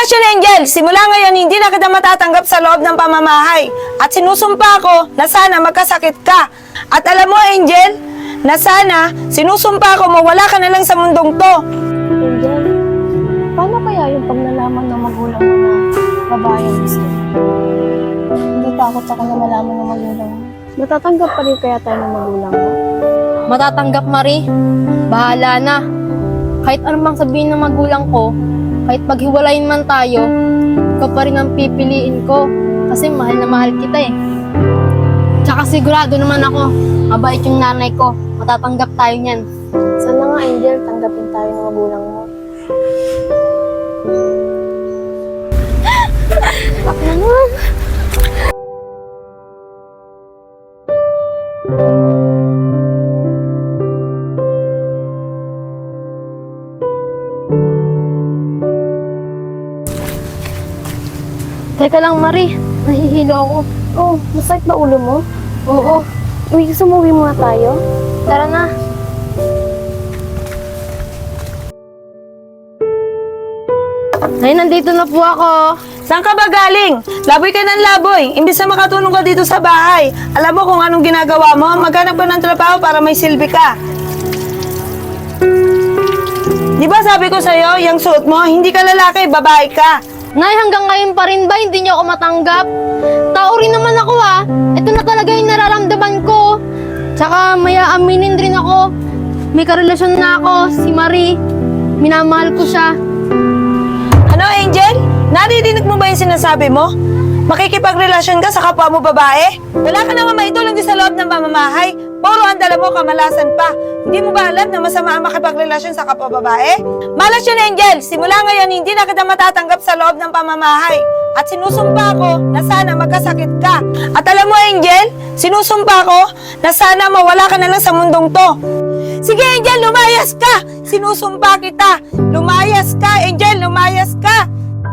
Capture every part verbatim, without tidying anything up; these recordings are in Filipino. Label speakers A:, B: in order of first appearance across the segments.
A: Malasyon Angel, simula ngayon hindi na kita matatanggap sa loob ng pamamahay. At sinusumpa ko na sana magkasakit ka. At alam mo Angel, na sana sinusumpa ko mawala ka na lang sa mundong to.
B: Angel, paano kaya yung pag nalaman ng magulang mo na babae ang gusto? Hindi takot ako na malaman ng magulang mo. Matatanggap pa rin kaya tayo ng magulang mo?
C: Matatanggap, Marie. Bahala na. Kahit anumang sabihin ng magulang ko, kahit maghiwalayin man tayo, ikaw pa rin ang pipiliin ko. Kasi mahal na mahal kita eh. Tsaka sigurado naman ako, mabait yung nanay ko. Matatanggap tayo niyan.
B: Sana nga, Angel, tanggapin tayo ng magulang mo. Ano?
C: Teka lang, Marie. Nahihilo ako.
B: Oh, masakit ba ulo mo?
C: Oo.
B: Uwi, sumuwi muna tayo.
C: Tara na. Nay, nandito na po ako.
A: Saan ka ba galing? Laboy ka ng laboy. Imbis na makatulong ka dito sa bahay. Alam mo kung anong ginagawa mo? Maghanap ka ng trabaho para may silbi ka. Di ba sabi ko sa'yo, yung suot mo, hindi ka lalaki, babae ka.
C: Nay, hanggang ngayon pa rin ba hindi niyo ako matanggap? Tao rin naman ako ah. Ito na talaga yung nararamdaman ko. Tsaka may aaminin rin ako. May karelasyon na ako, si Marie. Minamahal ko siya.
A: Ano, Angel? Naririnig mo ba yung sinasabi mo? Makikipagrelasyon ka sa kapwa mo babae? Wala ka naman maitulong din sa loob ng pamamahay. Puro ang dala mo, kamalasan pa. Hindi mo ba alam na masama ang makipagrelasyon sa kapwa babae? Malas yun, Angel. Simula ngayon, hindi na kita matatanggap sa loob ng pamamahay. At sinusumpa ko na sana magkasakit ka. At alam mo, Angel, sinusumpa ko na sana mawala ka na lang sa mundong to. Sige, Angel, lumayas ka! Sinusumpa kita. Lumayas ka, Angel, lumayas ka!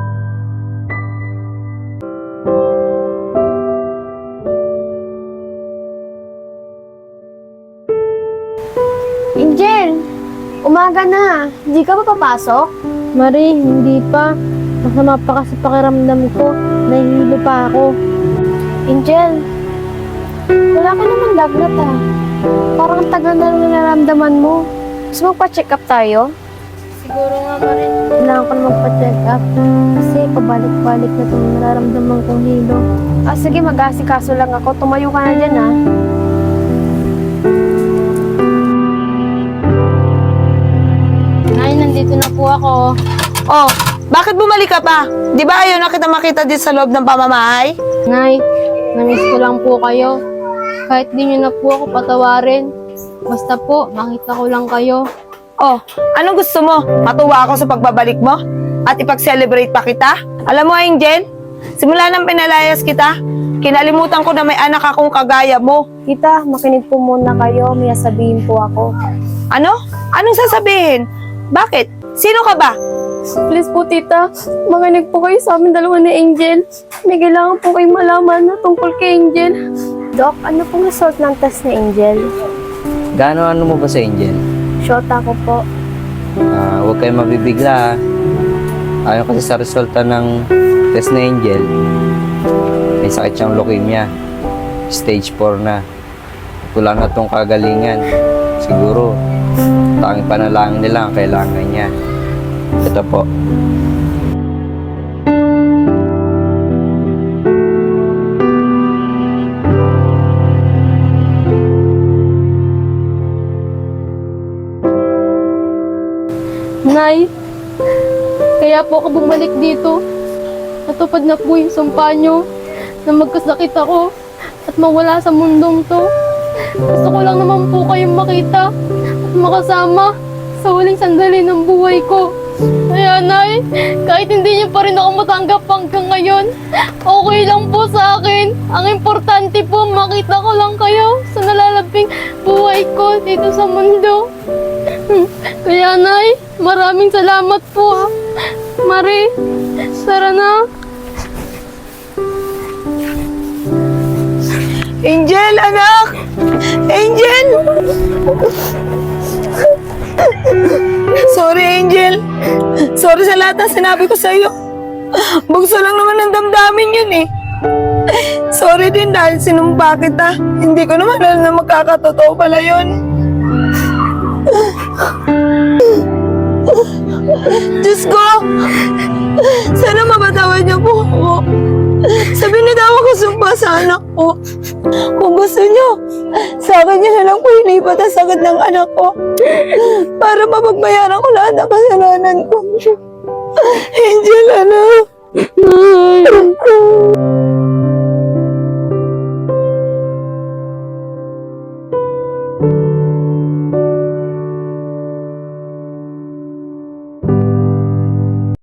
B: Angel, umaga na. Hindi ka ba papasok?
C: Marie, hindi pa. Masama pa kasi pakiramdam ko. Nahihilo pa ako.
B: Angel, wala ka naman lagnat ah. Parang ang tagal na lang nararamdaman mo. Gusto magpa-check up tayo?
C: Siguro nga, Marie.
B: Kailangan ko na magpa-check up. Kasi pabalik-balik na itong nararamdaman kong hilo. Ah, sige, mag-asikaso lang ako. Tumayo ka na dyan ah.
C: Nay, nandito na po ako.
A: Oh, bakit bumalik ka pa? Di ba ayaw na kita makita dito sa loob ng pamamahay?
C: Nay, namiss ko lang po kayo. Kahit di nyo na po ako patawarin. Basta po, makita ko lang kayo.
A: Oh, anong gusto mo? Matuwa ako sa pagbabalik mo? At ipag-celebrate pa kita? Alam mo, Angel, simula nang pinalayas kita, kinalimutan ko na may anak akong kagaya mo.
B: Tita, makinig po muna kayo. May sabihin po ako.
A: Ano? Anong sasabihin? Bakit? Sino ka ba?
B: Please po, tita. Makinig po kayo sa amin dalawa ni Angel. May kailangan po kayong malaman na tungkol kay Angel. Doc, ano pong result ng test ni Angel?
D: Gaano ano mo ba sa Angel?
B: Shota ko po.
D: Ah, huwag kayong mabibigla. ah. Ayon kasi sa resulta ng test na Angel, may sakit siyang leukemia. Stage four na. Wala na tong kagalingan. Siguro, tanging panalangin nila ang kailangan niya. Ito po.
C: Nay, kaya po ako bumalik dito. Natupad na po yung sumpa nyo na magkasakit ako at mawala sa mundong to. Gusto ko lang naman po kayong makita at makasama sa huling sandali ng buhay ko. Kaya Nay, kahit hindi niyo pa rin ako matanggap hanggang ngayon, okay lang po sa akin. Ang importante po, makita ko lang kayo sa nalalabing buhay ko dito sa mundo. Kaya Nay, maraming salamat po. Marie, tara na.
A: Angel, anak! Angel! Sorry, Angel. Sorry sa lahat ng sinabi ko sa'yo. Bugso lang naman ang damdamin yun eh. Sorry din dahil sinumpa kita. Hindi ko naman alam na magkakatotoo pala yun. Diyos ko! Sana mapatawad niyo po ako. Sa binitawan ko sumpa sa anak ko. Kung gusto niyo, sa akin niyo na lang po inipat ang sakit ng anak ko. Para mapagbayaran ko lahat ng kasalanan ko. Angel, anak.